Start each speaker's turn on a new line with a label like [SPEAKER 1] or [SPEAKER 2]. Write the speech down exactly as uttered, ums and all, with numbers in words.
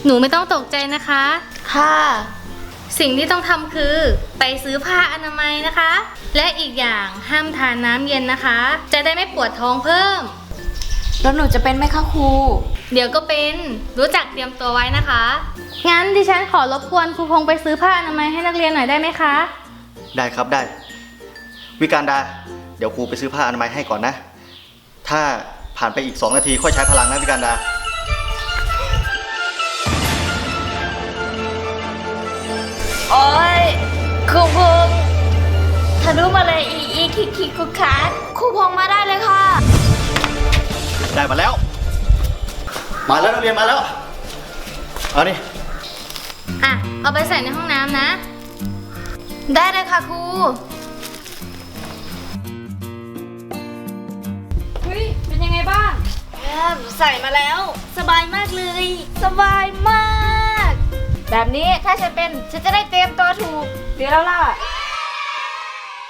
[SPEAKER 1] หนูไม่ต้องตกใจนะคะ
[SPEAKER 2] ค่ะ
[SPEAKER 1] สิ่งที่ต้องทำคือไปซื้อผ้าอนามัยนะคะ และอีกอย่างห้ามทานน้ำเย็นนะคะ จะได้ไม่ปวดท้องเพิ่ม
[SPEAKER 2] แล้วหนูจะเป็นไหมคะครู
[SPEAKER 1] เดี๋ยวก็เป็นรู้จักเตรียมตัวไว้นะคะ งั้นดิฉันขอรบกวนครูพงษ์ไปซื้อผ้าอนามัยให้นักเรียนหน่อยได้ไหมคะ
[SPEAKER 3] ได้ครับได้ วิการดา เดี๋ยวครูไปซื้อผ้าอนามัยให้ก่อนนะ ถ้าผ่านไปอีกสองนาทีค่อยใช้พลังนะวิการดา
[SPEAKER 2] โอ้ยครูพงษ์ทะลุมาเลยอีอีคิกคิกคุกคักครูพงษ์มาได้เลยค่ะ
[SPEAKER 3] ได้มาแล้ว มาแล้วนักเรียนมาแล้ว เอานี่
[SPEAKER 1] อ่ะ เอาไปใส่ในห้องน้ำนะ
[SPEAKER 2] ได้เลยค่ะครูเฮ้ยเป็นยังไงบ้างใส่มาแล้ว สบายมากเลย สบายมาก แบบนี้ถ้าฉันเป็นฉันจะได้เตรียมตัวถูกเดี๋ยวแล้วล่ะ